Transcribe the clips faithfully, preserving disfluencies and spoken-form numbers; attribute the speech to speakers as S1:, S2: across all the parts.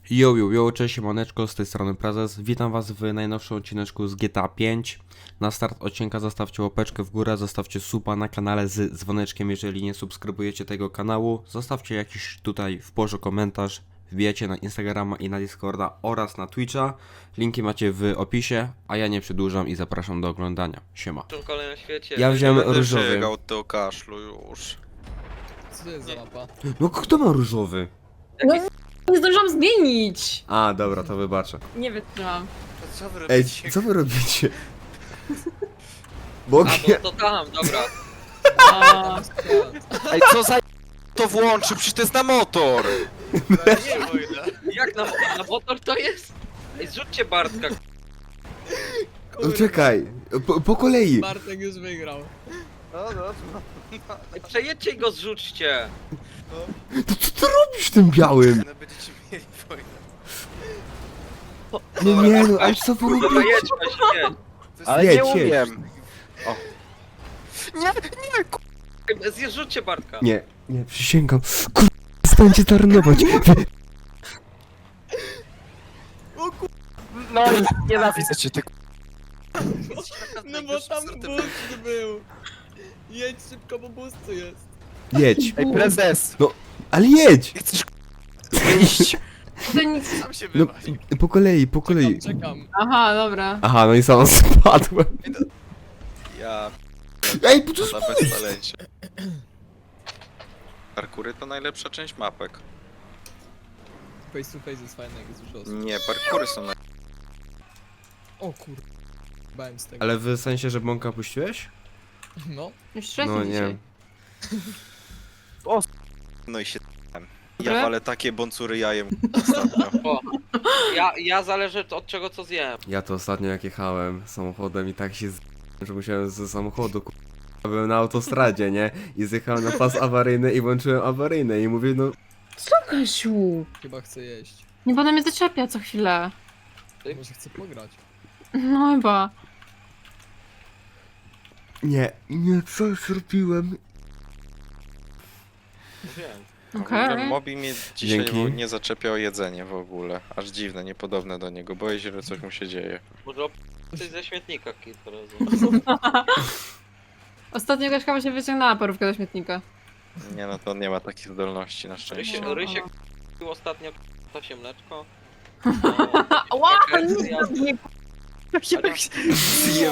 S1: Yo, yo, yo, cześć, siemaneczko, z tej strony Prezes. Witam was w najnowszym odcineczku z G T A pięć. Na start odcinka zostawcie łapeczkę w górę, zostawcie suba na kanale z dzwoneczkiem, jeżeli nie subskrybujecie tego kanału. Zostawcie jakiś tutaj w porze komentarz, wbijecie na Instagrama i na Discorda oraz na Twitcha. Linki macie w opisie, a ja nie przedłużam i zapraszam do oglądania. Siema.
S2: W kolejnym świecie.
S1: Ja wziąłem
S3: Będę
S1: różowy.
S3: żygał do kaszlu już.
S4: Co to jest za mapa?
S1: No kto ma różowy?
S5: No nie zdążyłam zmienić!
S1: A, dobra, to wybaczę.
S5: Nie wytrzymam.
S3: Co wy
S1: Ej,
S3: robicie?
S1: co wy robicie?
S2: A,
S1: Bogie.
S2: bo to tam, dobra.
S5: A,
S3: Ej, co za to włączy? Przecież to jest na motor!
S2: Jak na, na motor to jest? Ej, zrzućcie Bartka.
S1: No czekaj, po, po kolei.
S4: Bartek już wygrał.
S3: No, no,
S2: Ej, przejedźcie i go zrzućcie.
S1: To co ty robisz tym białym?
S3: no będziecie mieli wojnę.
S1: No nie no, ale co wy
S2: Dobra,
S1: robicie?
S2: jedź, weź, jedź.
S3: Ale
S1: Jedź,
S3: nie
S1: jedź.
S3: umiem. O. Nie, nie, ku...
S2: Ej, Zrzućcie Bartka.
S1: Nie, nie, przysięgam. Kur... Stańcie tarnować.
S3: No, nienawidzę cię, ty ku...
S4: No bo tam boost był. Jedź szybko, bo boost tu jest.
S1: Jedź,
S3: Ej, prezes!
S1: ale jedź!
S3: Nie chcesz ku... wyjść?
S5: to nic.
S3: Sam się
S1: No,
S3: wywalił.
S1: po kolei, po kolei.
S4: Czekam, czekam.
S5: Aha, dobra.
S1: Aha, no i sam spadłem.
S3: Ja...
S1: Ej, bo to
S3: za
S1: jest...
S3: beztaleńcie. Parkury to najlepsza część mapek.
S4: Face to face jest fajny, jak jest dużo osób.
S3: Nie, parkury są naj...
S4: O kur... Bałem z tego.
S1: Ale w sensie, że bąka puściłeś?
S4: No.
S5: Już trzeci
S1: No
S5: dzisiaj.
S1: nie.
S3: No i się...
S5: Dobre?
S3: Ja walę takie boncury jajem ostatnio.
S2: Ja, ja zależy od czego co zjem.
S1: Ja to ostatnio jak jechałem samochodem i tak się z... że musiałem ze samochodu ku... Byłem na autostradzie, nie? I zjechałem na pas awaryjny i włączyłem awaryjny i mówię, no...
S5: Co, Kasiu?
S4: Chyba chcę jeść.
S5: Nie będę mnie zaczepia co chwilę.
S2: Ty?
S4: Może chcę pograć.
S5: No chyba.
S1: Nie, nie, co zrobiłem?
S2: Wiem.
S5: Okej.
S3: Mobi mnie dzisiaj
S1: Dzięki.
S3: nie zaczepia o jedzenie w ogóle. Aż dziwne, niepodobne do niego. Boję się, że coś mu się dzieje.
S2: Może coś ze śmietnika kilka razy.
S5: Ostatnio Kaśka właśnie wyciągnęła parówkę do śmietnika.
S3: Nie no, to on nie ma takich zdolności na szczęście.
S2: Rysiek,
S5: No.
S2: Rysiek pił ostatnio to się mleczko.
S5: Ła,
S2: Jaka
S5: nie,
S2: jest-
S5: nie,
S3: Zjem.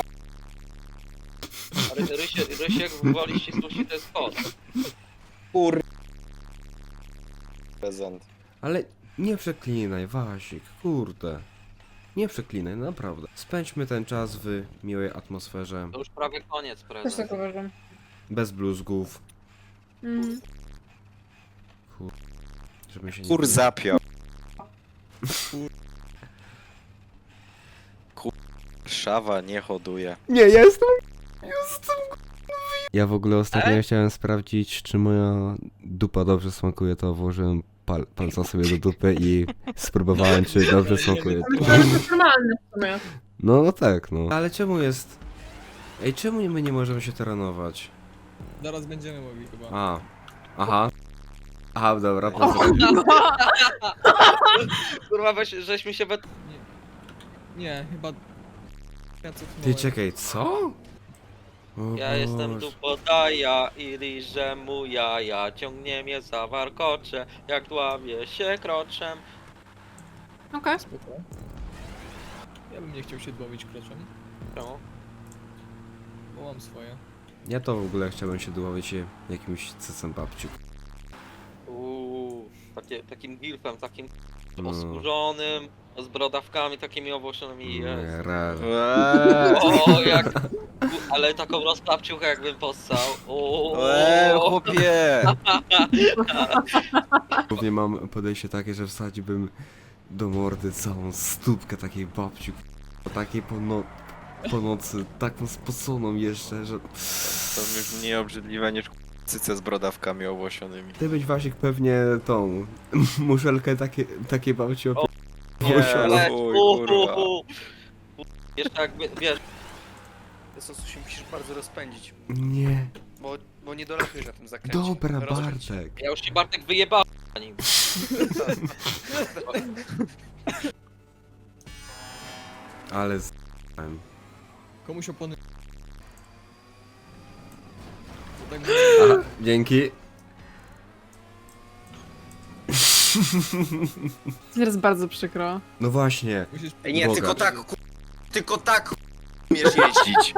S2: Ry- Rysiek, Rysiek woli ścisłości to jest kot.
S3: Kur... Prezent.
S1: Ale nie przeklinaj, Wasik, kurde. Nie przeklinaj, naprawdę. Spędźmy ten czas w miłej atmosferze,
S2: To już prawie koniec
S5: Też
S2: prezes.
S5: tak uważam.
S1: bez bluzgów,
S5: Mm.
S1: żeby się nie...
S3: Kur zapiał. Kur... Szawa nie hoduje.
S1: Nie, ja jestem... Jestem... Ja w ogóle ostatnio
S2: E?
S1: chciałem sprawdzić, czy moja dupa dobrze smakuje, to włożyłem pal palca sobie do dupy i spróbowałem, czy dobrze smakuje.
S5: Ale to jest normalne w sumie.
S1: No, no tak, no. Ale czemu jest... Ej, czemu my nie możemy się terenować?
S4: Zaraz będziemy mogli chyba.
S1: A, aha. Aha, dobra, pozdrawiam.
S2: Kurwa, weź, żeśmy się we...
S4: Nie, chyba... Ja co
S1: Ty, czekaj, co? O
S2: Ja jestem
S1: Boże.
S2: dupodaja i liżę mu jaja. Ciągnie mnie za warkocze, jak dławię się kroczem.
S5: Okej.
S4: Spoko. Ja bym nie chciał się dłowić kroczem,
S2: No.
S4: bo mam swoje.
S1: Ja to w ogóle chciałbym się dłowić jakimś cycem babciu.
S2: Uuu, takie, takim gilfem, takim
S1: No.
S2: oskórzonym, z brodawkami takimi owłosionymi jest.
S1: Nie, raz.
S3: Eee,
S2: O, jak... Ale taką rozklapciuchę jakbym possał.
S3: eee,
S2: O,
S3: chłopie!
S1: Głównie mam podejście takie, że wsadziłbym do mordy całą stópkę takiej babci. Takiej po, no, po nocy, taką spoconą jeszcze, że...
S3: To już mniej obrzydliwe niż cyce z brodawkami owłosionymi.
S1: Ty byś Wasik pewnie tą muszelkę takie, takie babci
S2: O,
S1: opie...
S3: Nie,
S1: Owłosiona.
S2: ale-
S3: chuj,
S2: u,
S3: kurwa.
S2: u, u. Jeszcze jakby, wiesz,
S6: Sosu się musisz bardzo rozpędzić,
S1: Nie.
S6: bo, bo nie dolatujesz na tym zakręcie.
S1: Dobra,
S6: Rozpędź się.
S1: Bartek.
S2: ja już ci Bartek wyjebałem. nim.
S1: Ale z...
S4: Komuś opony... Tak
S1: Aha, dzięki.
S5: Jest bardzo przykro.
S1: No właśnie.
S4: musisz...
S3: Ej, nie,
S1: Boga.
S3: tylko tak, ku... tylko tak umiesz jeździć.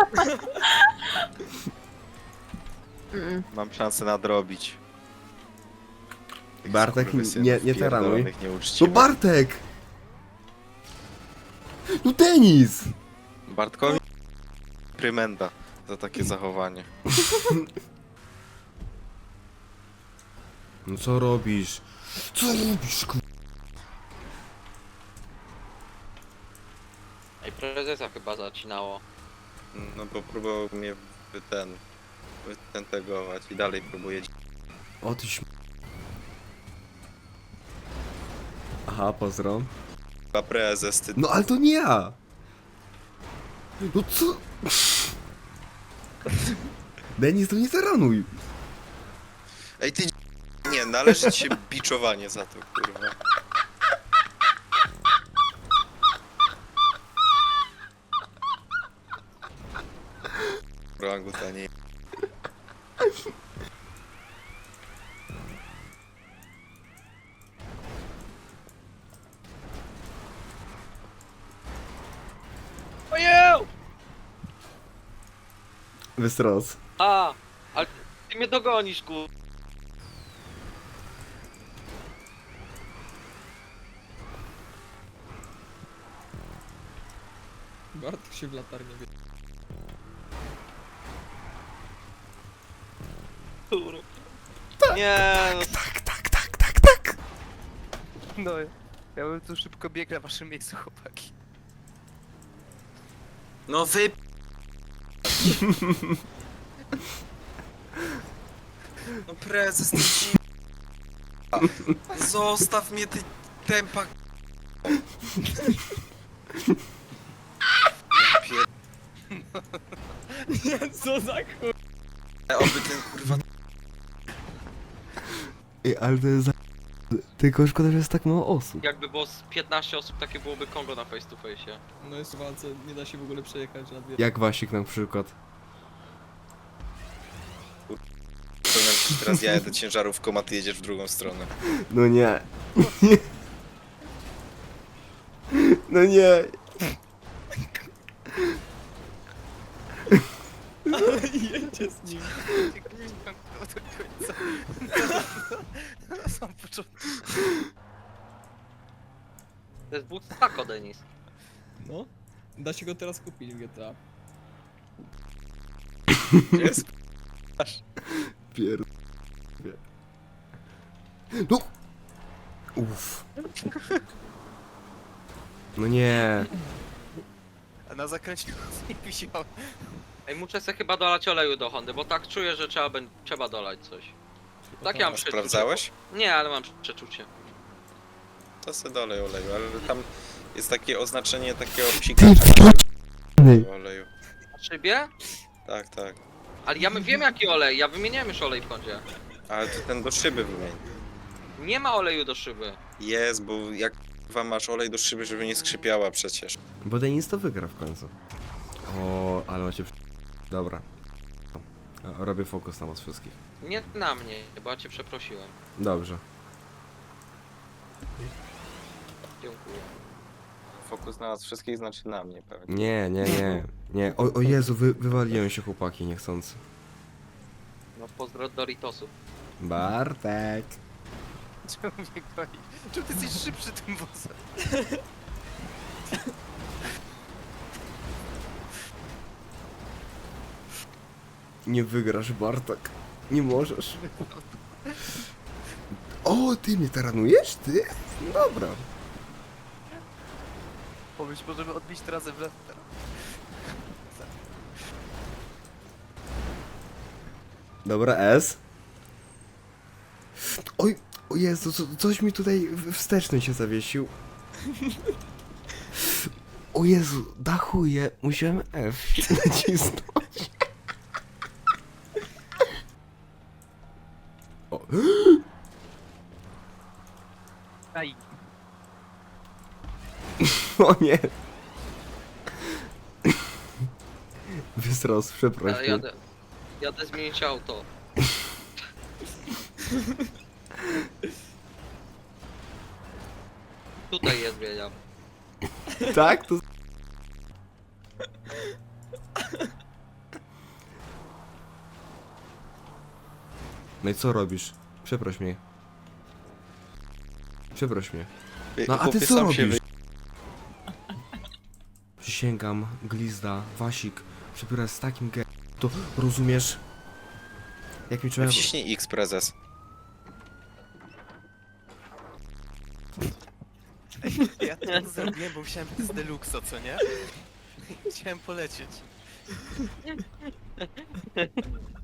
S5: Mm.
S3: Mam szansę nadrobić.
S1: Bartek,
S3: Skurwysynów
S1: nie, nie taranuj.
S3: pierdolonych,
S1: No
S3: nieuczciwych.
S1: Bartek! No Denis!
S3: Bartkowi prymenda za takie zachowanie.
S1: No co robisz? Co robisz, ku...
S2: Ej, prezesa chyba zacinało.
S3: No bo próbował mnie wy ten... wytentegować i dalej próbuje.
S1: O ty śm... Aha, pozdro.
S3: Chyba prezes, ty...
S1: No ale to nie ja! No co? Denis, to nie taranuj!
S3: Ej, ty... Nie, należy ci się biczowanie za to, kurwa. Orangutanie.
S2: Ojeł!
S1: Wystros.
S2: A! Ale ty mnie dogonisz, ku...
S4: Bartek się w latarnię wie...
S2: Kurwa. Nie, no,
S1: Tak, tak, tak, tak, tak!
S6: No, ja bym tu szybko biegł na waszym miejscu, chłopaki.
S3: No wy... No prezes, ty ci... Zostaw mnie, ty tempa... Ja pier...
S4: Nie, co za chuj...
S3: Oby ten kurwa...
S1: Ej, ale to jest za... Tylko szkoda, że jest tak mało osób.
S2: jakby było z piętnaście osób, takie byłoby Kongo na face to face.
S4: No jest w walce, nie da się w ogóle przejechać na dwie...
S1: Jak Wasik na przykład.
S3: Powiem ci teraz ja jadę ciężarówką, a ty jedziesz w drugą stronę.
S1: No nie. No nie.
S4: Ale jedzie z nim.
S6: Do końca. Na sam początek.
S2: To jest but tako, Denis.
S4: No. Da się go teraz kupić w G T A.
S3: Jest?
S1: Pier... No! Uff. No nie.
S6: A na zakręcie nie wisiał.
S2: Ej, muszę sobie chyba dolać oleju do Hondy, bo tak czuję, że trzeba, bę- trzeba dolać coś. Tak ja mam przeczucie.
S3: Sprawdzałeś?
S2: Nie, ale mam przeczucie.
S3: To se dolej oleju, ale tam jest takie oznaczenie takiego psikacza na oleju.
S2: Na szybie?
S3: Tak, tak.
S2: Ale ja my- wiem jaki olej, ja wymieniałem już olej w Hondzie.
S3: Ale to ten do szyby wymień.
S2: Nie ma oleju do szyby.
S3: Jest, bo jak wam masz olej do szyby, żeby nie skrzypiała przecież.
S1: Bo Denis to wygra w końcu. O, ale macie... Dobra. O, robię fokus na was wszystkich.
S2: Nie na mnie, bo ja cię przeprosiłem.
S1: Dobrze.
S2: Dziękuję.
S3: Fokus na nas wszystkich znaczy na mnie pewnie.
S1: Nie, nie, nie. Nie. O, o Jezu, wy, wywaliłem się chłopaki niechcący.
S2: No pozdro Doritosów.
S1: Bartek.
S6: Czemu mnie goni? Czemu ty jesteś szybszy tym wozem?
S1: Nie wygrasz, Bartek. Nie możesz. O, ty mnie taranujesz? Ty? Dobra.
S6: Pomyśl, możemy odbić trasę w lewo.
S1: Dobra, S. Oj, o Jezu, co, coś mi tutaj w- wsteczny się zawiesił. O Jezu, dachuje, musiałem F nacisnąć. O. O nie! Wystros, przeproś
S2: Ja
S1: mnie.
S2: jadę, jadę zmienić auto. Tutaj je zmieniam.
S1: Tak? To... No i co robisz? Przeproś mnie. Przeproś mnie. No a ty
S3: Chłopie,
S1: co
S3: sam się
S1: robisz? Przysięgam, glizda, Wasik, przebiera z takim ge... To rozumiesz? Jak mi
S3: wy...
S1: trzeba...
S3: Wciśnij X, prezes.
S6: Ja to zrobiłem, bo musiałem być z Deluxo, co nie? Chciałem polecieć.